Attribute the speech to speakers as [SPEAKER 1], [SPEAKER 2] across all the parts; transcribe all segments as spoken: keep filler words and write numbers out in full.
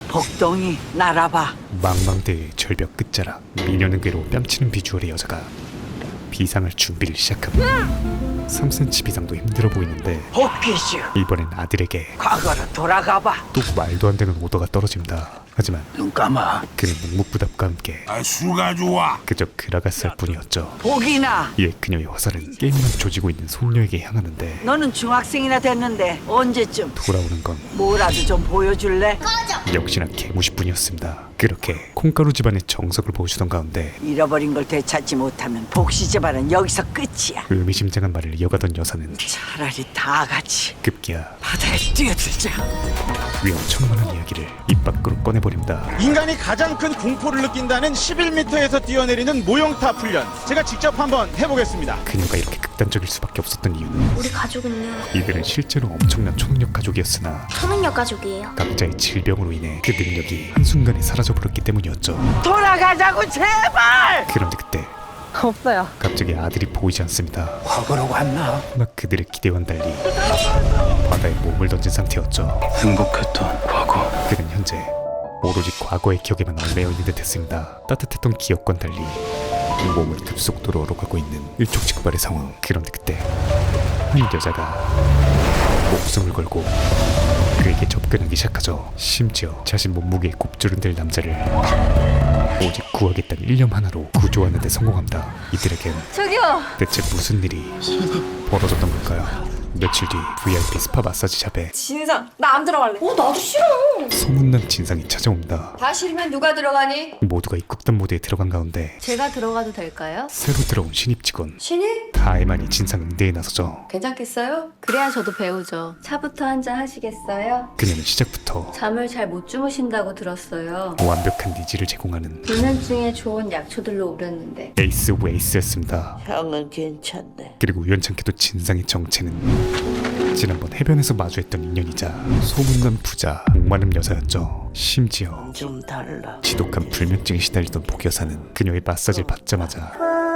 [SPEAKER 1] 복동이 날아봐.
[SPEAKER 2] 망망대해의 절벽 끝자락, 미녀는 괴로 뺨치는 비주얼의 여자가 비상할 준비를 시작합니다. 삼 센티미터 비상도 힘들어 보이는데
[SPEAKER 1] 복귀슈.
[SPEAKER 2] 이번엔 아들에게
[SPEAKER 1] 과거로 돌아가봐.
[SPEAKER 2] 또 말도 안 되는 오더가 떨어집니다. 하지만
[SPEAKER 1] 눈 감아.
[SPEAKER 2] 그는 묵묵부답과 함께
[SPEAKER 3] 아, 수가 좋아.
[SPEAKER 2] 그저 그라갔을 뿐이었죠.
[SPEAKER 1] 복이나.
[SPEAKER 2] 이에 그녀의 화살은 게임만 조지고 있는 손녀에게 향하는데
[SPEAKER 1] 너는 중학생이나 됐는데 언제쯤
[SPEAKER 2] 돌아오는 건
[SPEAKER 1] 뭐라도 좀 보여줄래?
[SPEAKER 2] 역시나 개무시뿐이었습니다. 그렇게 콩가루 집안의 정석을 보여주던 가운데
[SPEAKER 1] 잃어버린 걸 되찾지 못하면 복시 집안은 여기서 끝이야.
[SPEAKER 2] 의미심장한 말을 이어가던 여사는
[SPEAKER 1] 차라리 다 같이
[SPEAKER 2] 급기야
[SPEAKER 1] 바다에 뛰어들자.
[SPEAKER 2] 위험천만한 이야기를 입 밖으로 꺼내버립니다.
[SPEAKER 4] 인간이 가장 큰 공포를 느낀다는 십일 미터에서 뛰어내리는 모형탑 훈련, 제가 직접 한번 해보겠습니다.
[SPEAKER 2] 그녀가 이렇게 극단적일 수밖에 없었던 이유는
[SPEAKER 5] 우리 가족은요,
[SPEAKER 2] 이들은 실제로 엄청난 초능력 가족이었으나
[SPEAKER 5] 초능력 가족이에요.
[SPEAKER 2] 각자의 질병으로 인해 그 능력이 한순간에 사라져버렸기 때문이었죠.
[SPEAKER 1] 돌아가자고 제발.
[SPEAKER 2] 그런데 그때
[SPEAKER 6] 없어요.
[SPEAKER 2] 갑자기 아들이 보이지 않습니다.
[SPEAKER 1] 과거로 갔나?
[SPEAKER 2] 하나 그들의 기대와는 달리 바다에 몸을 던진 상태였죠.
[SPEAKER 3] 행복했던 과거.
[SPEAKER 2] 그는 현재 오로지 과거의 기억에만 얽매여 있는 듯했습니다. 따뜻했던 기억과는 달리 몸을 급속도로 얼어가고 있는 일촉즉발의 상황. 그런데 그때 한 여자가 목숨을 걸고 그에게 접근하기 시작하죠. 심지어 자신 몸무게에 곱주름 될 남자를 오직 구하겠다는 일념 하나로 구조하는 데 성공합니다. 이들에겐
[SPEAKER 6] 저기요.
[SPEAKER 2] 대체 무슨 일이 벌어졌던 걸까요? 며칠 뒤 브이아이피 스파 마사지샵에
[SPEAKER 6] 진상. 나 안 들어갈래. 어, 나도 싫어.
[SPEAKER 2] 소문난 진상이 찾아옵니다.
[SPEAKER 6] 다 싫으면 누가 들어가니?
[SPEAKER 2] 모두가 입국단 모드에 들어간 가운데
[SPEAKER 5] 제가 들어가도 될까요?
[SPEAKER 2] 새로 들어온 신입 직원
[SPEAKER 5] 신입?
[SPEAKER 2] 다혜만이 진상 응대에 나서죠.
[SPEAKER 6] 괜찮겠어요?
[SPEAKER 5] 그래야 저도 배우죠. 차부터 한잔 하시겠어요?
[SPEAKER 2] 그녀는 시작부터
[SPEAKER 5] 잠을 잘 못 주무신다고 들었어요.
[SPEAKER 2] 완벽한 니즈를 제공하는
[SPEAKER 5] 불면증에 좋은 약초들로 우렸는데
[SPEAKER 2] 에이스 오브 에이스였습니다.
[SPEAKER 1] 형은 괜찮네.
[SPEAKER 2] 그리고 우연찮게도 진상의 정체는 지난번 해변에서 마주했던 인연이자 소문난 부자 목마름 여자였죠. 심지어
[SPEAKER 1] 좀 달라.
[SPEAKER 2] 지독한 불면증에 시달리던 복여사는 그녀의 마사지를 받자마자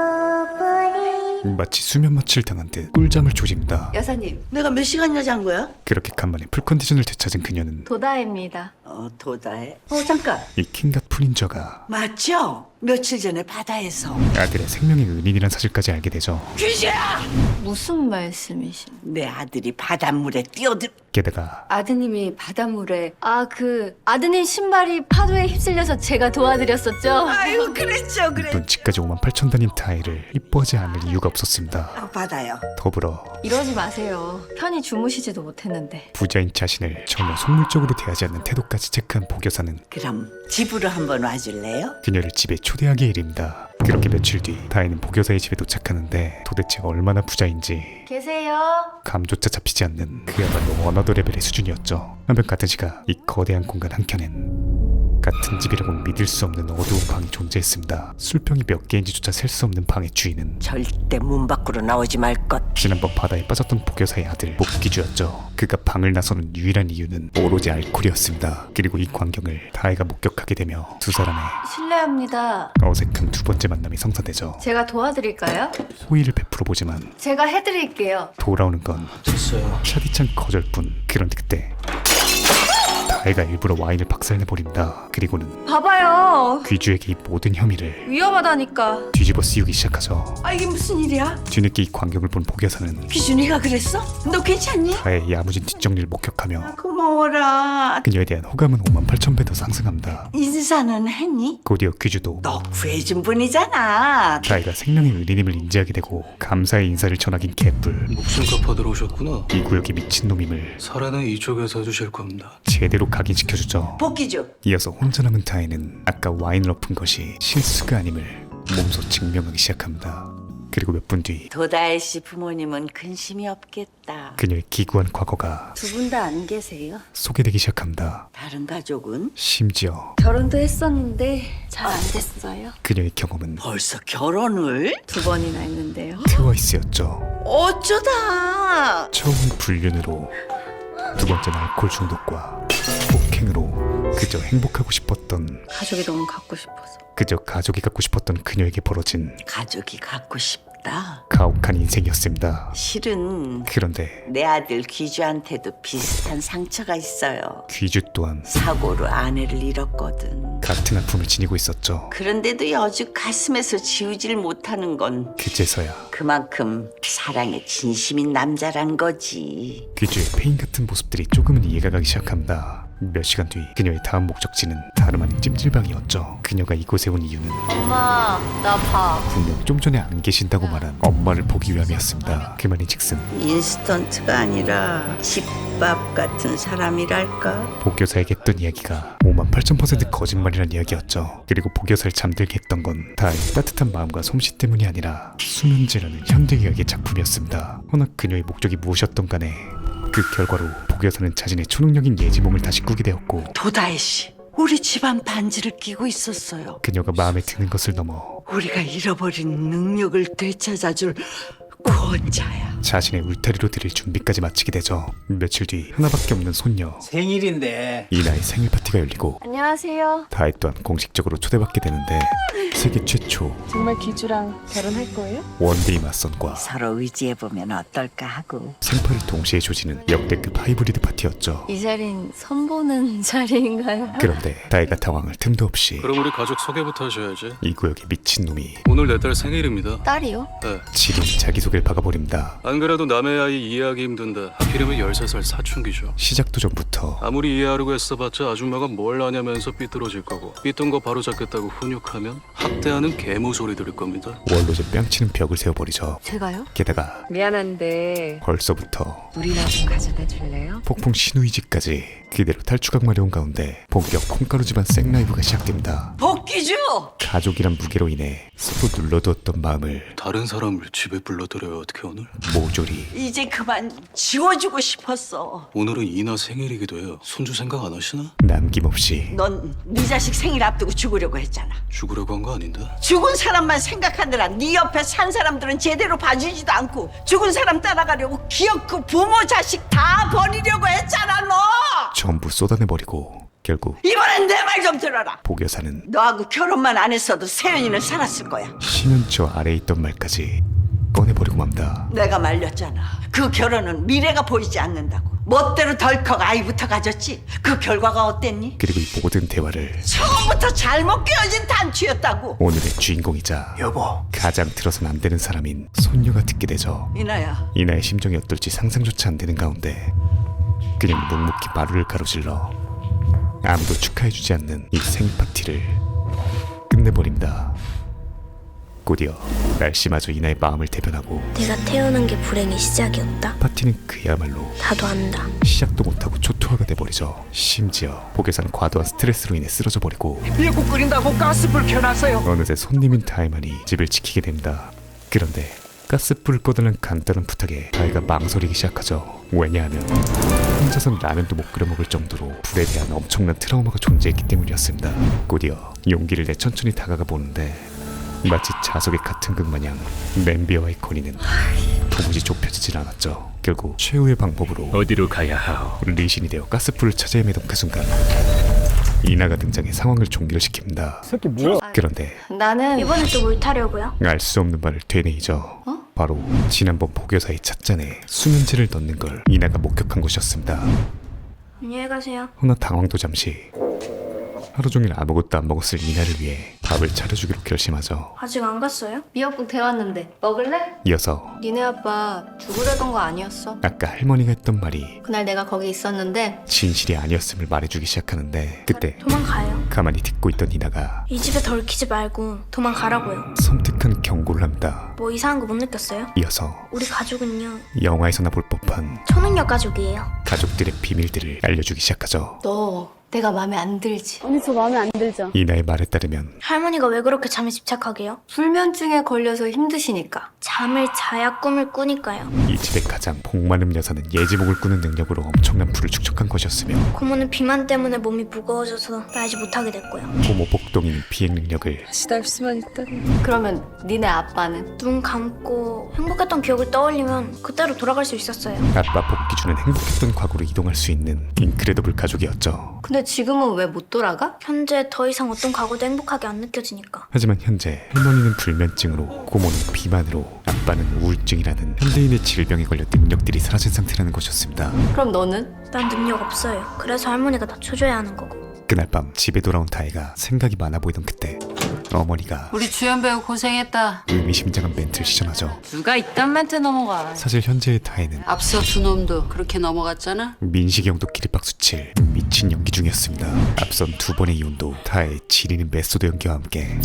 [SPEAKER 2] 마치 수면 마취를 당한 듯 꿀잠을 조집니다.
[SPEAKER 5] 여사님,
[SPEAKER 1] 내가 몇 시간이나 잔 거야?
[SPEAKER 2] 그렇게 간만에 풀컨디션을 되찾은 그녀는
[SPEAKER 5] 도다입니다.
[SPEAKER 1] 어, 도다해. 어, 잠깐.
[SPEAKER 2] 이 킹갓 프린저가
[SPEAKER 1] 맞죠? 며칠 전에 바다에서.
[SPEAKER 2] 아들의 생명의 은인이란 사실까지 알게 되죠.
[SPEAKER 1] 귀신아!
[SPEAKER 5] 무슨 말씀이신?
[SPEAKER 1] 내 아들이 바닷물에 뛰어들.
[SPEAKER 2] 게다가
[SPEAKER 5] 아드님이 바닷물에 아 그 아드님 신발이 파도에 휩쓸려서 제가 도와드렸었죠?
[SPEAKER 1] 아유, 그랬죠, 그랬죠.
[SPEAKER 2] 눈치까지 오만 팔천 단인 타이를 이뻐하지 않을 이유가 없었습니다.
[SPEAKER 1] 아, 받아요.
[SPEAKER 2] 더불어
[SPEAKER 5] 이러지 마세요. 편히 주무시지도 못했는데.
[SPEAKER 2] 부자인 자신을 전혀 속물적으로 대하지 않는 태도까지 체크한 복여사는
[SPEAKER 1] 그럼 집으로 한번 와줄래요?
[SPEAKER 2] 그녀를 집에 초대하게 일입니다. 그렇게 며칠 뒤 다혜는 복여사의 집에 도착하는데 도대체 얼마나 부자인지
[SPEAKER 5] 계세요?
[SPEAKER 2] 감조차 잡히지 않는 그야말로 어나더 레벨의 수준이었죠. 한편 같은 시각 이 거대한 공간 한켠엔 같은 집이라고는 믿을 수 없는 어두운 방이 존재했습니다. 술병이 몇 개인지조차 셀 수 없는 방의 주인은
[SPEAKER 1] 절대 문 밖으로 나오지 말 것.
[SPEAKER 2] 지난번 바다에 빠졌던 복여사의 아들 목기주였죠. 그가 방을 나서는 유일한 이유는 오로지 알코올이었습니다. 그리고 이 광경을 다혜가 목격하게 되며 두 사람의
[SPEAKER 5] 실례합니다.
[SPEAKER 2] 어색한 두 번째 만남이 성사되죠.
[SPEAKER 5] 제가 도와드릴까요?
[SPEAKER 2] 호의를 베풀어 보지만
[SPEAKER 5] 제가 해드릴게요.
[SPEAKER 2] 돌아오는 건
[SPEAKER 3] 됐어요.
[SPEAKER 2] 차디찬 거절뿐. 그런데 그때 다혜가 일부러 와인을 박살내버립니다. 그리고는
[SPEAKER 5] 봐봐요.
[SPEAKER 2] 귀주에게 이 모든 혐의를
[SPEAKER 5] 위험하다니까.
[SPEAKER 2] 뒤집어 씌우기 시작하죠.
[SPEAKER 1] 아, 이게 무슨 일이야?
[SPEAKER 2] 뒤늦게 이 광경을 본 복여사는
[SPEAKER 1] 귀준이가 그랬어? 너 괜찮니?
[SPEAKER 2] 다혜의 야무진 뒷정리를 목격하며
[SPEAKER 1] 고마워라.
[SPEAKER 2] 그녀에 대한 호감은 오만 팔천 배 더 상승합니다.
[SPEAKER 1] 인사는 했니?
[SPEAKER 2] 곧이어 귀주도
[SPEAKER 1] 너 구해준 분이잖아.
[SPEAKER 2] 다혜가 생명의 은인임을 인지하게 되고 감사의 인사를 전하긴 개뿔.
[SPEAKER 7] 목숨 갚아 들어오셨구나.
[SPEAKER 2] 이 구역이 미친놈임을
[SPEAKER 7] 살아는 이쪽에서 해주실 겁니다.
[SPEAKER 2] 제대로 각인시켜주죠.
[SPEAKER 1] 복귀죠.
[SPEAKER 2] 이어서 혼자 남은 다혜는 아까 와인을 엎은 것이 실수가 아님을 몸소 증명하기 시작합니다. 그리고 몇 분 뒤
[SPEAKER 1] 도다혜 씨 부모님은 근심이 없겠다.
[SPEAKER 2] 그녀의 기구한 과거가
[SPEAKER 5] 두 분 다 안 계세요?
[SPEAKER 2] 소개되기 시작합니다.
[SPEAKER 1] 다른 가족은?
[SPEAKER 2] 심지어
[SPEAKER 5] 결혼도 했었는데 잘 안 됐어요.
[SPEAKER 2] 그녀의 경험은
[SPEAKER 1] 벌써 결혼을?
[SPEAKER 5] 두 번이나 했는데요.
[SPEAKER 2] 트와이스였죠.
[SPEAKER 1] 어쩌다.
[SPEAKER 2] 처음 불륜으로 두 번째는 알코올 중독과 폭행으로 그저 행복하고 싶었던
[SPEAKER 5] 가족이 너무 갖고 싶어서.
[SPEAKER 2] 그저 가족이 갖고 싶었던 그녀에게 벌어진
[SPEAKER 1] 가족이 갖고 싶다. 부럽다.
[SPEAKER 2] 가혹한 인생이었습니다.
[SPEAKER 1] 실은
[SPEAKER 2] 그런데
[SPEAKER 1] 내 아들 귀주한테도 비슷한 상처가 있어요.
[SPEAKER 2] 귀주 또한
[SPEAKER 1] 사고로 아내를 잃었거든.
[SPEAKER 2] 같은 아픔을 지니고 있었죠.
[SPEAKER 1] 그런데도 여주 가슴에서 지우질 못하는 건
[SPEAKER 2] 그제서야
[SPEAKER 1] 그만큼 사랑에 진심인 남자란 거지.
[SPEAKER 2] 귀주의 페인 같은 모습들이 조금은 이해가 가기 시작합니다. 몇 시간 뒤 그녀의 다음 목적지는 다름 아닌 찜질방이었죠. 그녀가 이곳에 온 이유는
[SPEAKER 5] 엄마, 나 봐.
[SPEAKER 2] 분명 좀 전에 안 계신다고 말한 엄마를 보기 위함이었습니다. 그 말인즉슨
[SPEAKER 1] 인스턴트가 아니라 집밥 같은 사람이랄까.
[SPEAKER 2] 복여사에게 했던 이야기가 오만 팔천 퍼센트 거짓말이란 이야기였죠. 그리고 복여사를 잠들게 했던 건 다의 따뜻한 마음과 솜씨 때문이 아니라 수면제라는 현대의학의 작품이었습니다. 허나 그녀의 목적이 무엇이었던 간에 그 결과로 복여사는 자신의 초능력인 예지몽을 다시 꾸게 되었고
[SPEAKER 1] 도다혜 씨, 우리 집안 반지를 끼고 있었어요.
[SPEAKER 2] 그녀가 마음에 드는 것을 넘어
[SPEAKER 1] 우리가 잃어버린 능력을 되찾아줄 구원자야.
[SPEAKER 2] 자신의 울타리로 들일 준비까지 마치게 되죠. 며칠 뒤 하나밖에 없는 손녀
[SPEAKER 3] 생일인데
[SPEAKER 2] 이나의 생일 파티가 열리고
[SPEAKER 5] 안녕하세요.
[SPEAKER 2] 다혜 또한 공식적으로 초대받게 되는데 세계 최초
[SPEAKER 6] 정말 귀주랑 결혼할 거예요?
[SPEAKER 2] 원데이 맞선과
[SPEAKER 1] 서로 의지해보면 어떨까 하고.
[SPEAKER 2] 생파를 동시에 조지는 역대급 하이브리드 파티였죠.
[SPEAKER 5] 이 자리는 선보는 자리인가요?
[SPEAKER 2] 그런데 다혜가 당황할 틈도 없이
[SPEAKER 7] 그럼 우리 가족 소개부터 하셔야지.
[SPEAKER 2] 이 구역의 미친놈이
[SPEAKER 7] 오늘 내 딸 생일입니다.
[SPEAKER 5] 딸이요?
[SPEAKER 7] 네.
[SPEAKER 2] 지린 자기소개를 박아버립니다.
[SPEAKER 7] 안 그래도 남의 아이 이해하기 힘든데 하필이면 열세 살 사춘기죠.
[SPEAKER 2] 시작도 전부터
[SPEAKER 7] 아무리 이해하려고 애써봤자 아줌마가 뭘 아냐면서 삐뚤어질 거고 삐뚤은 거 바로 잡겠다고 훈육하면 학대하는 개무 소리 들을 겁니다.
[SPEAKER 2] 원로제 뺨치는 벽을 세워버리죠.
[SPEAKER 5] 제가요?
[SPEAKER 2] 게다가
[SPEAKER 6] 미안한데
[SPEAKER 2] 벌써부터
[SPEAKER 6] 우리나 좀 가져다 줄래요?
[SPEAKER 2] 폭풍 신우이집까지 그대로 탈출각 마려운 가운데 본격 콩가루 집안 생라이브가 시작됩니다.
[SPEAKER 1] 복귀주!
[SPEAKER 2] 가족이란 무게로 인해 서로 눌러두었던 마음을
[SPEAKER 7] 다른 사람을 집에 불러들여요 어떻게 오늘?
[SPEAKER 2] 모조리
[SPEAKER 1] 이제 그만 지워주고 싶었어.
[SPEAKER 7] 오늘은 이나 생일이기도 해요. 손주 생각 안 하시나?
[SPEAKER 2] 남김없이
[SPEAKER 1] 넌 네 자식 생일 앞두고 죽으려고 했잖아.
[SPEAKER 7] 죽으려고 한 거 아닌데?
[SPEAKER 1] 죽은 사람만 생각하느라 네 옆에 산 사람들은 제대로 봐주지도 않고 죽은 사람 따라가려고 기어코 부모 자식 다 버리려고 했잖아 너.
[SPEAKER 2] 전부 쏟아내버리고 결국
[SPEAKER 1] 이번엔 내 말 좀 들어라.
[SPEAKER 2] 복여사는
[SPEAKER 1] 너하고 결혼만 안 했어도 세연이는 살았을 거야.
[SPEAKER 2] 심연초 아래에 있던 말까지 꺼내버리고 맙니다.
[SPEAKER 1] 내가 말렸잖아. 그 결혼은 미래가 보이지 않는다고. 멋대로 덜컥 아이부터 가졌지. 그 결과가 어땠니?
[SPEAKER 2] 그리고 이 모든 대화를
[SPEAKER 1] 처음부터 잘못 끼어진 단추였다고.
[SPEAKER 2] 오늘의 주인공이자
[SPEAKER 3] 여보
[SPEAKER 2] 가장 들어선 안 되는 사람인 손녀가 듣게 되죠.
[SPEAKER 1] 이나야,
[SPEAKER 2] 이나의 심정이 어떨지 상상조차 안 되는 가운데 그냥 묵묵히 마루를 가로질러 아무도 축하해주지 않는 이 생일 파티를 끝내버립니다. 곧이어 날씨마저 이나의 마음을 대변하고
[SPEAKER 8] 내가 태어난 게 불행의 시작이었다.
[SPEAKER 2] 파티는 그야말로
[SPEAKER 8] 나도 안다.
[SPEAKER 2] 시작도 못하고 초토화가 돼버리죠. 심지어 복여사는 과도한 스트레스로 인해 쓰러져 버리고
[SPEAKER 3] 미역국 끓인다고 가스불 켜놨어요.
[SPEAKER 2] 어느새 손님인 다혜만이 집을 지키게 됩니다. 그런데 가스불을 꺼달라는 간단한 부탁에 다혜가 망설이기 시작하죠. 왜냐하면 혼자선 라면도 못 끓여 먹을 정도로 불에 대한 엄청난 트라우마가 존재했기 때문이었습니다. 곧이어 용기를 내 천천히 다가가 보는데 마치 자석의 같은 극 마냥 냄비와의 거리는 도무지 좁혀지질 않았죠. 결국 최후의 방법으로
[SPEAKER 3] 어디로 가야 하오?
[SPEAKER 2] 리신이 되어 가스불을 찾아 헤매던 그 순간 이나가 등장해 상황을 종결시킵니다. 그런데
[SPEAKER 5] 나는
[SPEAKER 8] 이번엔 또 뭘 타려고요?
[SPEAKER 2] 알 수 없는 말을 되뇌이죠. 바로 지난번 복여사의 찻잔에 수면제를 넣는 걸 이나가 목격한 것이었습니다.
[SPEAKER 8] 안녕히 가세요.
[SPEAKER 2] 허나 당황도 잠시. 하루 종일 아무것도 안 먹었을 이나를 위해 밥을 차려주기로 결심하죠.
[SPEAKER 8] 아직 안 갔어요?
[SPEAKER 5] 미역국 데웠는데 먹을래?
[SPEAKER 2] 이어서
[SPEAKER 5] 니네 아빠 죽으려던 거 아니었어.
[SPEAKER 2] 아까 할머니가 했던 말이
[SPEAKER 5] 그날 내가 거기 있었는데
[SPEAKER 2] 진실이 아니었음을 말해주기 시작하는데 그때
[SPEAKER 8] 도망가요.
[SPEAKER 2] 가만히 듣고 있던 이나가
[SPEAKER 8] 이 집에 덜키지 말고 도망가라고요.
[SPEAKER 2] 섬뜩한 경고를 합니다.
[SPEAKER 8] 뭐 이상한 거 못 느꼈어요?
[SPEAKER 2] 이어서
[SPEAKER 8] 우리 가족은요,
[SPEAKER 2] 영화에서나 볼 법한
[SPEAKER 8] 초능력 가족이에요.
[SPEAKER 2] 가족들의 비밀들을 알려주기 시작하죠.
[SPEAKER 5] 너 내가 마음에 안 들지?
[SPEAKER 6] 언니 저 마음에 안 들죠?
[SPEAKER 2] 이나의 말에 따르면
[SPEAKER 8] 할머니가 왜 그렇게 잠에 집착하게요?
[SPEAKER 5] 불면증에 걸려서 힘드시니까.
[SPEAKER 8] 잠을 자야 꿈을 꾸니까요.
[SPEAKER 2] 이 집의 가장 복 많은 여사는 예지목을 꾸는 능력으로 엄청난 부를 축적한 것이었으며
[SPEAKER 8] 고모는 비만 때문에 몸이 무거워져서 날지 못하게 됐고요.
[SPEAKER 2] 고모 복동이는 비행 능력을
[SPEAKER 6] 시달 수만 있다니.
[SPEAKER 5] 그러면 니네 아빠는?
[SPEAKER 8] 눈 감고 행복했던 기억을 떠올리면 그때로 돌아갈 수 있었어요.
[SPEAKER 2] 아빠 복귀주는 행복했던 과거로 이동할 수 있는 인크레더블 가족이었죠.
[SPEAKER 5] 근데 근데 지금은 왜 못 돌아가?
[SPEAKER 8] 현재 더 이상 어떤 과거도 행복하게 안 느껴지니까.
[SPEAKER 2] 하지만 현재 할머니는 불면증으로, 고모는 비만으로, 아빠는 우울증이라는 현대인의 질병에 걸려 능력들이 사라진 상태라는 것이었습니다.
[SPEAKER 5] 그럼 너는?
[SPEAKER 8] 난 능력 없어요. 그래서 할머니가 낮춰줘야 하는 거고.
[SPEAKER 2] 그날 밤 집에 돌아온 다혜가 생각이 많아 보이던 그때 어머니가
[SPEAKER 9] 우리 주연 배우 고생했다.
[SPEAKER 2] 의미심장한 멘트를 시전하죠.
[SPEAKER 9] 누가 이딴 멘트 넘어가.
[SPEAKER 2] 사실 현재의 다혜는
[SPEAKER 9] 앞서 두 놈도 그렇게 넘어갔잖아.
[SPEAKER 2] 민식이 형도 기립박수 칠 미친 연기 중이었습니다. 앞선 두 번의 이혼도 다혜의 지리는 메소드 연기와 함께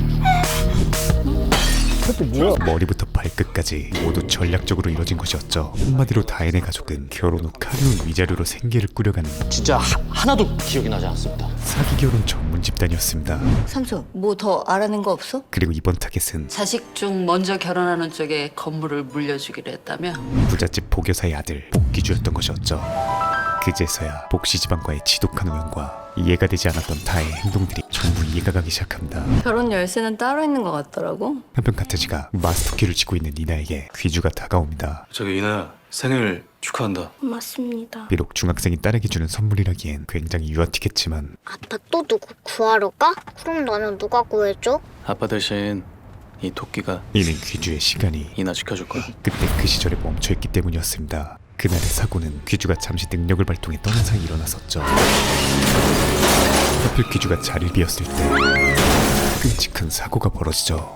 [SPEAKER 2] 머리부터 발끝까지 모두 전략적으로 이뤄진 것이었죠. 한마디로 다혜네 가족은 결혼 후 카리온 위자료로 생계를 꾸려가는
[SPEAKER 10] 진짜 하, 하나도 기억이 나지 않습니다.
[SPEAKER 2] 사기 결혼 전문 집단이었습니다.
[SPEAKER 5] 삼촌, 뭐 더 알아낸 거 없어?
[SPEAKER 2] 그리고 이번 타겟은
[SPEAKER 9] 자식 중 먼저 결혼하는 쪽에 건물을 물려주기로 했다며.
[SPEAKER 2] 부잣집 복여사의 아들 복기주였던 것이었죠. 그제서야 복씨 집안과의 지독한 우연과 이해가 되지 않았던 다혜의 행동들이 전부 이해가 가기 시작합니다.
[SPEAKER 5] 결혼 열쇠는 따로 있는 것 같더라고.
[SPEAKER 2] 한편 카트지가 마스터키를 쥐고 있는 니나에게 귀주가 다가옵니다.
[SPEAKER 7] 저기 이나야, 생일 축하한다.
[SPEAKER 8] 맞습니다.
[SPEAKER 2] 비록 중학생이 딸에게 주는 선물이라기엔 굉장히 유아틱했지만
[SPEAKER 8] 아빠 또 누구 구하러 가? 그럼 나는 누가 구해줘?
[SPEAKER 7] 아빠 대신 이 토끼가
[SPEAKER 2] 이는 귀주의 시간이
[SPEAKER 7] 이나 지켜줄 거야.
[SPEAKER 2] 그때 그 시절에 멈춰있기 때문이었습니다. 그날의 사고는 귀주가 잠시 능력을 발동해 떠난 사이 일어났었죠. 하필 귀주가 자리를 비웠을 때 끔찍한 사고가 벌어지죠.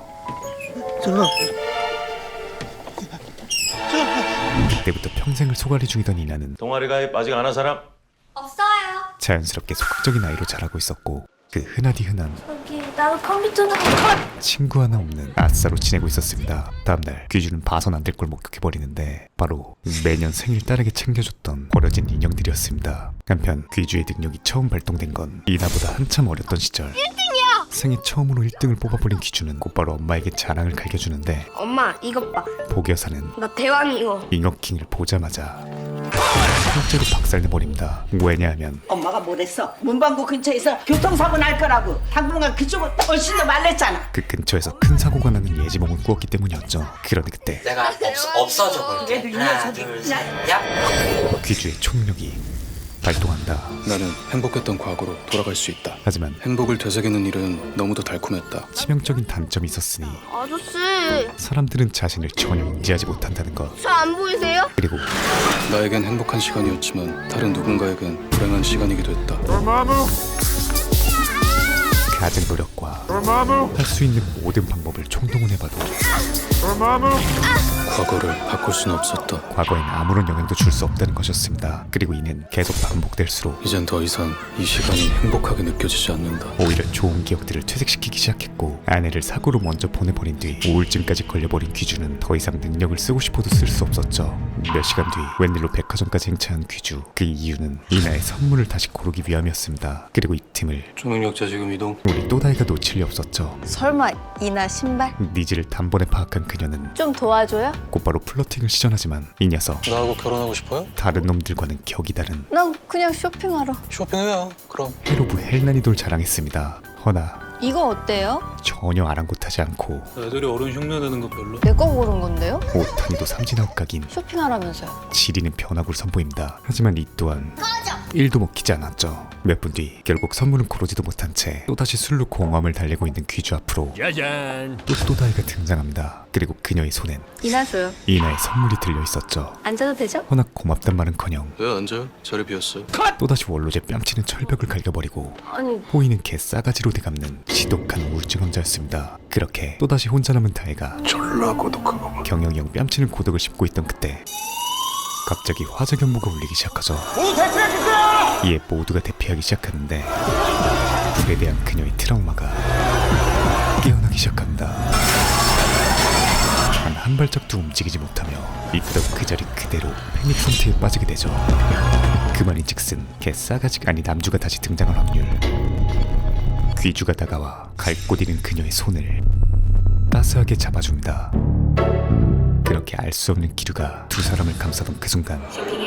[SPEAKER 2] 그때부터 평생을 소갈이 중이던 이나는
[SPEAKER 10] 동아리 가입 아직 안 한 사람?
[SPEAKER 8] 없어요.
[SPEAKER 2] 자연스럽게 소극적인 아이로 자라고 있었고 그 흔하디 흔한
[SPEAKER 8] 여기 나도 컴퓨터는
[SPEAKER 2] 친구 하나 없는 아싸로 지내고 있었습니다. 다음날 귀주는 봐선 안 될 걸 목격해버리는데 바로 매년 생일 딸에게 챙겨줬던 버려진 인형들이었습니다. 한편 귀주의 능력이 처음 발동된 건 이나보다 한참 어렸던 시절. 일 등이야! 생애 처음으로 일 등을 뽑아버린 귀주는 곧바로 엄마에게 자랑을 갈겨주는데
[SPEAKER 8] 엄마 이것 봐.
[SPEAKER 2] 복여사는
[SPEAKER 8] 나 대왕이고.
[SPEAKER 2] 잉어킹을 보자마자 실제로 박살내버립니다. 왜냐하면
[SPEAKER 1] 엄마가 뭐랬어? 문방구 근처에서 교통사고 날 거라고. 당분간 그쪽은 훨씬 더 말랬잖아.
[SPEAKER 2] 그 근처에서 큰 사고가 나는 예지몽을 꾸었기 때문이었죠. 그런데 그때
[SPEAKER 10] 내가 없, 없어져 볼게.
[SPEAKER 1] 얘도 이 녀석이
[SPEAKER 2] 귀주의 총력이 발동한다.
[SPEAKER 7] 나는 행복했던 과거로 돌아갈 수 있다.
[SPEAKER 2] 하지만
[SPEAKER 7] 행복을 되새기는 일은 너무도 달콤했다.
[SPEAKER 2] 치명적인 단점이 있었으니
[SPEAKER 8] 아저씨
[SPEAKER 2] 사람들은 자신을 전혀 인지하지 못한다는 것.
[SPEAKER 8] 저 안 보이세요?
[SPEAKER 2] 그리고
[SPEAKER 7] 나에겐 행복한 시간이었지만 다른 누군가에겐 불행한 시간이기도 했다.
[SPEAKER 2] 가진 노력과 할 수 있는 모든 방법을 총동원해봐도
[SPEAKER 7] 과거를 바꿀 수는 없었다.
[SPEAKER 2] 과거엔 아무런 영향도 줄 수 없다는 것이었습니다. 그리고 이는 계속 반복될수록
[SPEAKER 7] 이젠 더 이상 이 시간이 행복하게 느껴지지 않는다.
[SPEAKER 2] 오히려 좋은 기억들을 퇴색시키기 시작했고 아내를 사고로 먼저 보내버린 뒤 우울증까지 걸려버린 귀주는 더 이상 능력을 쓰고 싶어도 쓸 수 없었죠. 몇 시간 뒤 웬일로 백화점까지 행차한 귀주. 그 이유는 이나의 선물을 다시 고르기 위함이었습니다. 그리고 이 틈을
[SPEAKER 7] 초능력자 지금 이동.
[SPEAKER 2] 우리 또다이가 놓칠 리 없었죠.
[SPEAKER 5] 설마 이나 신발?
[SPEAKER 2] 니즈를 단번에 파악한 그녀는
[SPEAKER 5] 좀 도와줘요?
[SPEAKER 2] 곧바로 플러팅을 시전하지만 이 녀석
[SPEAKER 7] 나하고 결혼하고 싶어요?
[SPEAKER 2] 다른 놈들과는 격이 다른
[SPEAKER 5] 난 그냥 쇼핑하러.
[SPEAKER 7] 쇼핑해요. 그럼.
[SPEAKER 2] 헤로브 헬난이돌 자랑했습니다. 허나
[SPEAKER 5] 이거 어때요?
[SPEAKER 2] 전혀 아랑곳하지 않고
[SPEAKER 7] 애들이 어른 흉내내는 거 별로.
[SPEAKER 5] 내 거 고른 건데요?
[SPEAKER 2] 오타니도 삼진아웃각인
[SPEAKER 5] 쇼핑하라면서요.
[SPEAKER 2] 지리는 변화구를 선보입니다. 하지만 이 또한 일도 먹히지 않았죠. 몇 분 뒤 결국 선물은 고르지도 못한 채 또다시 술로 공허함을 달래고 있는 귀주 앞으로 또 또다이가 등장합니다. 그리고 그녀의 손엔
[SPEAKER 5] 이나 줘요.
[SPEAKER 2] 이나의 선물이 들려있었죠.
[SPEAKER 5] 앉아도 되죠?
[SPEAKER 2] 허나 고맙단 말은커녕
[SPEAKER 7] 왜 앉아요? 자리 비었어요.
[SPEAKER 2] 또다시 원로제 뺨치는 철벽을 갈겨버리고
[SPEAKER 5] 아니
[SPEAKER 2] 호이는 개 싸가지로 되갚는 지독한 우울증 환자였습니다. 그렇게 또다시 혼자 남은 다혜가
[SPEAKER 7] 졸라 고독하고.
[SPEAKER 2] 경영이 형 뺨치는 고독을 씹고 있던 그때 갑자기 화재 경보가 울리기 시작하죠. 이에 모두가 대피하기 시작하는데 불에 대한 그녀의 트라우마가 깨어나기 시작합니다. 단 한 발짝도 움직이지 못하며 있던 그 자리 그대로 패닉 상태에 빠지게 되죠. 그말인즉슨 개 싸가지가 아닌 남주가 다시 등장할 확률. 귀주가 다가와 갈 곳 잃은 그녀의 손을 따스하게 잡아줍니다. 그렇게 알 수 없는 기류가 두 사람을 감싸던 그 순간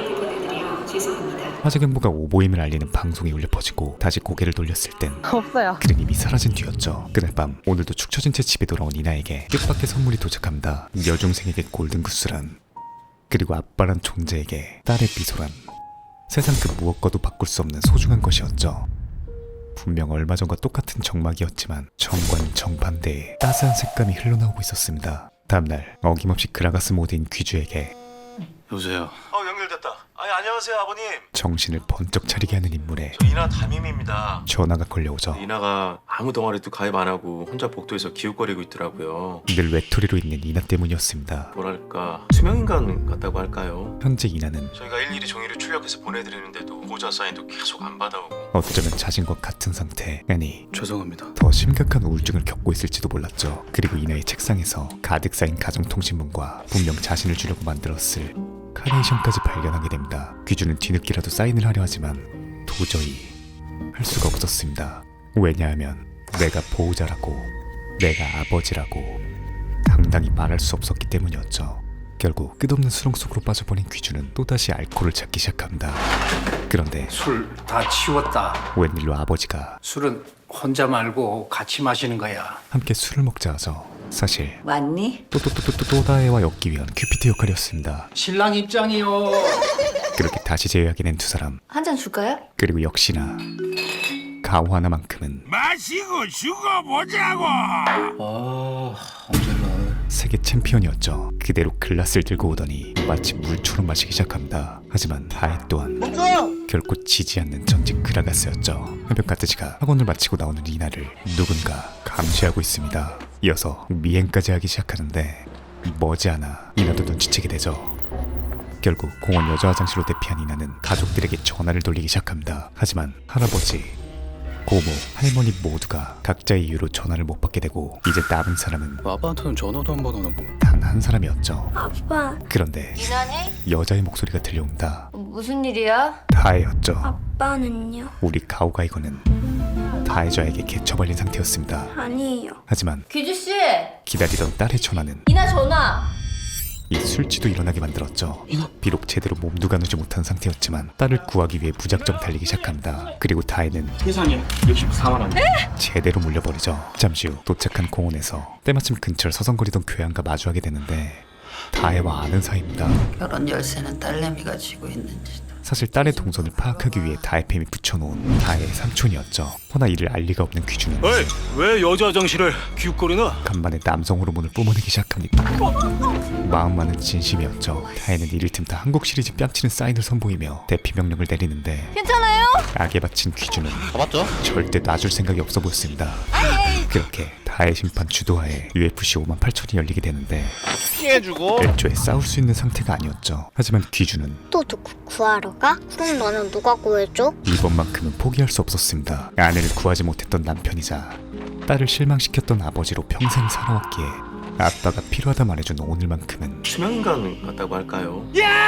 [SPEAKER 2] 화재 경보가 오보임을 알리는 방송이 울려 퍼지고 다시 고개를 돌렸을 땐
[SPEAKER 6] 없어요.
[SPEAKER 2] 그는 이미 사라진 뒤였죠. 그날 밤 오늘도 축 처진 채 집에 돌아온 이나에게 뜻밖의 선물이 도착합니다. 여중생에게 골든구스란, 그리고 아빠란 존재에게 딸의 미소란. 세상 그 무엇과도 바꿀 수 없는 소중한 것이었죠. 분명 얼마 전과 똑같은 정막이었지만 정과는 정반대의 따스한 색감이 흘러나오고 있었습니다. 다음날 어김없이 그라가스 모드인 귀주에게
[SPEAKER 7] 여보세요.
[SPEAKER 10] 어 연결됐다. 아니 안녕하세요 아버님.
[SPEAKER 2] 정신을 번쩍 차리게 하는 인물에
[SPEAKER 10] 저 이나 담임입니다.
[SPEAKER 2] 전화가 걸려오죠.
[SPEAKER 10] 이나가 아무 동아리도 가입 안 하고 혼자 복도에서 기웃거리고 있더라고요.
[SPEAKER 2] 늘 외톨이로 있는 이나 때문이었습니다.
[SPEAKER 10] 뭐랄까 투명인간 같다고 할까요?
[SPEAKER 2] 현재 이나는
[SPEAKER 10] 저희가 일일이 종이를 출력해서 보내드리는데도 보호자 사인도 계속 안 받아오고.
[SPEAKER 2] 어쩌면 자신과 같은 상태, 아니
[SPEAKER 7] 죄송합니다.
[SPEAKER 2] 더 심각한 우울증을 겪고 있을지도 몰랐죠. 그리고 이나의 책상에서 가득 쌓인 가정통신문과 분명 자신을 주려고 만들었을 카네이션까지 발견하게 됩니다. 귀주는 뒤늦게라도 사인을 하려 하지만 도저히 할 수가 없었습니다. 왜냐하면 내가 보호자라고, 내가 아버지라고 당당히 말할 수 없었기 때문이었죠. 결국 끝없는 수렁 속으로 빠져버린 귀주는 또다시 알코올을 찾기 시작합니다. 그런데
[SPEAKER 3] 술 다 치웠다.
[SPEAKER 2] 웬일로 아버지가
[SPEAKER 3] 술은 혼자 말고 같이 마시는 거야.
[SPEAKER 2] 함께 술을 먹자 하죠. 사실
[SPEAKER 1] 왔니?
[SPEAKER 2] 또또또또또 또다해와 엮기 위한 큐피트 역할이었습니다.
[SPEAKER 3] 신랑 입장이요.
[SPEAKER 2] 그렇게 다시 재회하게 된 두 사람,
[SPEAKER 5] 한 잔 줄까요?
[SPEAKER 2] 그리고 역시나 가오 하나만큼은
[SPEAKER 3] 마시고 죽어보자고. 아, 언제나.
[SPEAKER 2] 세계 챔피언이었죠. 그대로 글라스를 들고 오더니 마치 물처럼 마시기 시작합니다. 하지만 다혜 또한 결코 지지 않는 전직 그라가스였죠. 한편 가트지가 학원을 마치고 나오는 이나를 누군가 감시하고 있습니다. 이어서 미행까지 하기 시작하는데 머지않아 이나도 눈치채게 되죠. 결국 공원 여자 화장실로 대피한 이나는 가족들에게 전화를 돌리기 시작합니다. 하지만 할아버지, 고모, 할머니 모두가 각자의 이유로 전화를 못 받게 되고 이제 남은 사람은
[SPEAKER 7] 아빠한테는 전화도 한 번 안 하고.
[SPEAKER 2] 단 한 사람이었죠.
[SPEAKER 8] 아빠,
[SPEAKER 2] 그런데
[SPEAKER 5] 이나니?
[SPEAKER 2] 여자의 목소리가 들려옵니다.
[SPEAKER 5] 무슨 일이야?
[SPEAKER 2] 다혜였죠.
[SPEAKER 8] 아빠는요?
[SPEAKER 2] 우리 가오가이거는 다혜자에게 개처발린 상태였습니다.
[SPEAKER 8] 아니에요.
[SPEAKER 2] 하지만
[SPEAKER 5] 귀주 씨,
[SPEAKER 2] 기다리던 딸의 전화는
[SPEAKER 5] 이나 전화.
[SPEAKER 2] 이 술취도 일어나게 만들었죠. 비록 제대로 몸도 가누지 못한 상태였지만 딸을 구하기 위해 무작정 달리기 시작합니다. 그리고 다혜는
[SPEAKER 10] 세상에 육십사만 원.
[SPEAKER 2] 제대로 물려버리죠. 잠시 후 도착한 공원에서 때마침 근처를 서성거리던 교양과 마주하게 되는데 다혜와 아는 사이입니다.
[SPEAKER 9] 결혼 열쇠는 딸내미가 쥐고 있는지.
[SPEAKER 2] 사실 딸의 동선을 파악하기 위해 다혜팸이 붙여놓은 다혜의 삼촌이었죠. 허나 이를 알 리가 없는 귀주는
[SPEAKER 7] 에이, 왜 여자 화장실을 기웃거리나?
[SPEAKER 2] 간만에 남성 호르몬을 뿜어내기 시작합니다. 마음만은 진심이었죠. 다혜는 이를 틈타 한국 시리즈 뺨치는 사인을 선보이며 대피 명령을 내리는데
[SPEAKER 5] 괜찮아요?
[SPEAKER 2] 악에 바친 귀주는
[SPEAKER 10] 맞죠?
[SPEAKER 2] 절대 놔줄 생각이 없어 보였습니다. 그렇게 다혜 심판 주도하에 유에프씨 오만 팔천이 열리게 되는데
[SPEAKER 10] 피해주고.
[SPEAKER 2] 애초에 싸울 수 있는 상태가 아니었죠. 하지만 귀주는
[SPEAKER 8] 또 누구 구하러 가? 그럼 너는 누가 구해줘?
[SPEAKER 2] 이번만큼은 포기할 수 없었습니다. 아내를 구하지 못했던 남편이자 딸을 실망시켰던 아버지로 평생 살아왔기에 아빠가 필요하다 말해준 오늘만큼은
[SPEAKER 10] 투명인간 같다고 할까요?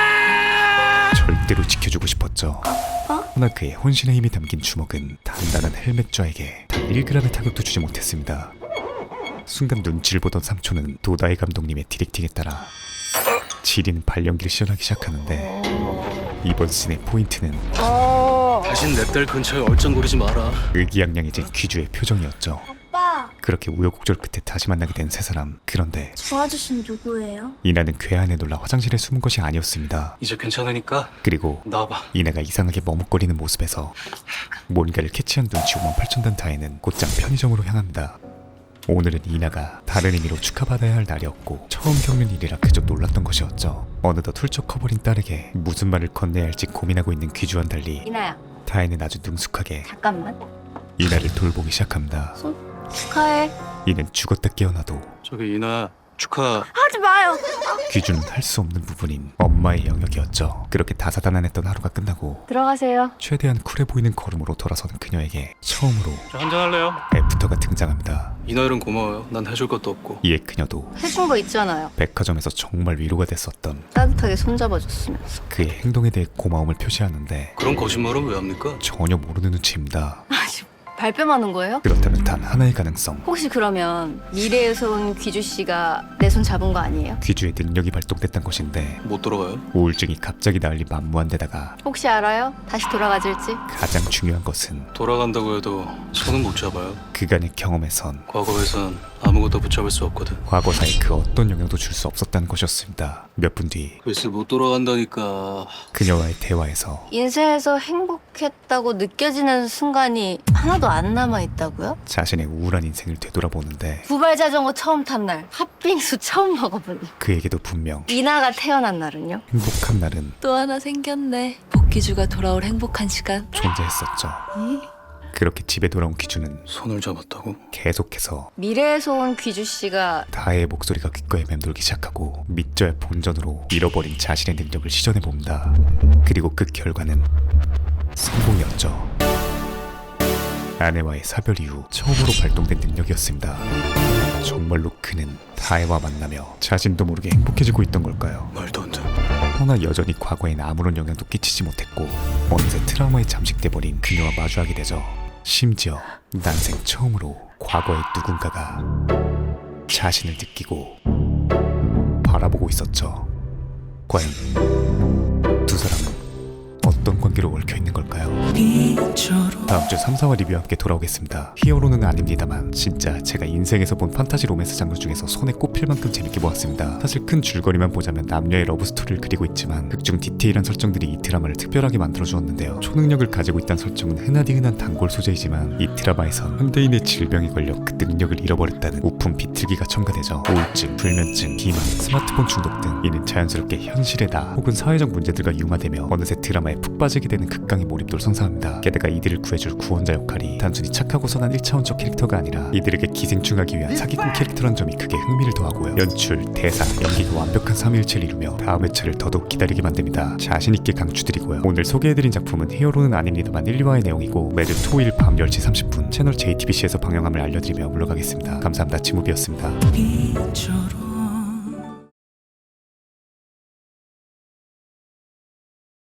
[SPEAKER 2] 절대로 지켜주고 싶었죠. 허나 그의 혼신의 힘이 담긴 주먹은 단단한 헬멧좌에게 단 일 그램의 타격도 주지 못했습니다. 순간 눈치를 보던 삼촌은 도다이 감독님의 디렉팅에 따라 지린 발연기를 시전하기 시작하는데 이번 씬의 포인트는
[SPEAKER 7] 다신 내 딸 근처에 얼쩡거리지 마라.
[SPEAKER 2] 의기양양해진 귀주의 표정이었죠.
[SPEAKER 8] 아빠,
[SPEAKER 2] 그렇게 우여곡절 끝에 다시 만나게 된 세 사람. 그런데
[SPEAKER 8] 저 아저씨는 누구예요?
[SPEAKER 2] 이나는 괴한에 놀라 화장실에 숨은 것이 아니었습니다.
[SPEAKER 7] 이제 괜찮으니까
[SPEAKER 2] 그리고
[SPEAKER 7] 나와봐.
[SPEAKER 2] 이나가 이상하게 머뭇거리는 모습에서 뭔가를 캐치한 눈치 오만 팔천 단 다혜는 곧장 편의점으로 향합니다. 오늘은 이나가 다른 의미로 축하받아야 할 날이었고 처음 겪는 일이라 그저 놀랐던 것이었죠. 어느덧 훌쩍 커버린 딸에게 무슨 말을 건네야 할지 고민하고 있는 귀주와는 달리
[SPEAKER 5] 이나야,
[SPEAKER 2] 다혜는 아주 능숙하게
[SPEAKER 5] 잠깐만.
[SPEAKER 2] 이나를 돌보기 시작합니다.
[SPEAKER 5] 축하해.
[SPEAKER 2] 이는 죽었다 깨어나도
[SPEAKER 7] 저기 이나 축하.
[SPEAKER 8] 하지 마요.
[SPEAKER 2] 귀주는 할 수 없는 부분인 엄마의 영역이었죠. 그렇게 다사다난했던 하루가 끝나고
[SPEAKER 5] 들어가세요.
[SPEAKER 2] 최대한 쿨해 보이는 걸음으로 돌아서는 그녀에게 처음으로
[SPEAKER 7] 저 한잔 할래요?
[SPEAKER 2] 애프터가 등장합니다.
[SPEAKER 7] 이나일은 고마워요. 난 해줄 것도 없고.
[SPEAKER 2] 이에 그녀도
[SPEAKER 5] 해준 거 있잖아요.
[SPEAKER 2] 백화점에서 정말 위로가 됐었던
[SPEAKER 5] 따뜻하게 손잡아줬으면서.
[SPEAKER 2] 그의 행동에 대해 고마움을 표시하는데
[SPEAKER 7] 그런 거짓말은 왜 합니까?
[SPEAKER 2] 전혀 모르는 눈치입니다.
[SPEAKER 5] 발뺌하는 거예요?
[SPEAKER 2] 그렇다면 단 하나의 가능성.
[SPEAKER 5] 혹시 그러면 미래에서 온 귀주 씨가 내 손 잡은 거 아니에요?
[SPEAKER 2] 귀주의 능력이 발동됐던 것인데
[SPEAKER 7] 못 돌아가요?
[SPEAKER 2] 우울증이 갑자기 나을리 만무한 데다가
[SPEAKER 5] 혹시 알아요? 다시 돌아가질지?
[SPEAKER 2] 가장 중요한 것은
[SPEAKER 7] 돌아간다고 해도 손은 못 잡아요.
[SPEAKER 2] 그간의 경험에선
[SPEAKER 7] 과거에선 아무것도 붙잡을 수 없거든.
[SPEAKER 2] 과거사에 그 어떤 영향도 줄 수 없었다는 것이었습니다. 몇 분 뒤
[SPEAKER 7] 글쎄 못 돌아간다니까.
[SPEAKER 2] 그녀와의 대화에서
[SPEAKER 5] 인생에서 행복했다고 느껴지는 순간이 하나도 안 남아있다고요?
[SPEAKER 2] 자신의 우울한 인생을 되돌아보는데
[SPEAKER 5] 구발 자전거 처음 탄 날, 팥빙수 처음 먹어본 날,
[SPEAKER 2] 그에게도 분명
[SPEAKER 5] 이나가 태어난 날은요?
[SPEAKER 2] 행복한 날은
[SPEAKER 6] 또 하나 생겼네. 복귀주가 돌아올 행복한 시간.
[SPEAKER 2] 존재했었죠. 그렇게 집에 돌아온 귀주는
[SPEAKER 7] 손을 잡았다고?
[SPEAKER 2] 계속해서
[SPEAKER 5] 미래에서 온 귀주 씨가
[SPEAKER 2] 다혜의 목소리가 귓가에 맴돌기 시작하고 믿져야 본전으로 잃어버린 자신의 능력을 시전해봅니다. 그리고 그 결과는 성공이었죠. 아내와의 사별 이후 처음으로 발동된 능력이었습니다. 정말로 그는 다혜와 만나며 자신도 모르게 행복해지고 있던 걸까요?
[SPEAKER 7] 말도 안 돼.
[SPEAKER 2] 허나 여전히 과거엔 아무런 영향도 끼치지 못했고 어느새 트라우마에 잠식돼버린 그녀와 마주하게 되죠. 심지어 난생 처음으로 과거의 누군가가 자신을 느끼고 바라보고 있었죠. 과연 두 사람은 어떤 관계로 얽혀있는 걸까요? 다음 주 삼, 사화 리뷰와 함께 돌아오겠습니다. 히어로는 아닙니다만 진짜 제가 인생에서 본 판타지 로맨스 장르 중에서 손에 꼽힐 만큼 재밌게 보았습니다. 사실 큰 줄거리만 보자면 남녀의 러브스토리를 그리고 있지만 극중 디테일한 설정들이 이 드라마를 특별하게 만들어주었는데요. 초능력을 가지고 있다는 설정은 흔하디 흔한 단골 소재이지만 이 드라마에선 현대인의 질병에 걸려 그 능력을 잃어버렸다는 우픈 비틀기가 첨가되죠. 우울증, 불면증, 비만, 스마트폰 중독 등 이는 자연스럽게 현실에다 혹은 사회적 문제들과 융화되며 어느새 드라마에 푹 빠지게 되는 극강의 몰입도를 선사합니다. 게다가 이들을 구해줄 구원자 역할이 단순히 착하고 선한 일 차원적 캐릭터가 아니라 이들에게 기생충하기 위한 사기꾼 캐릭터란 점이 크게 흥미를 더하고요. 연출, 대사, 연기가 완벽한 삼위일체를 이루며 다음 회차를 더더욱 기다리게 만듭니다. 자신있게 강추드리고요. 오늘 소개해드린 작품은 히어로는 아닙니다만 일, 이 화의 내용이고 매주 토요일 밤 열 시 삼십 분 채널 제이티비씨에서 방영함을 알려드리며 물러가겠습니다. 감사합니다. 지무비였습니다.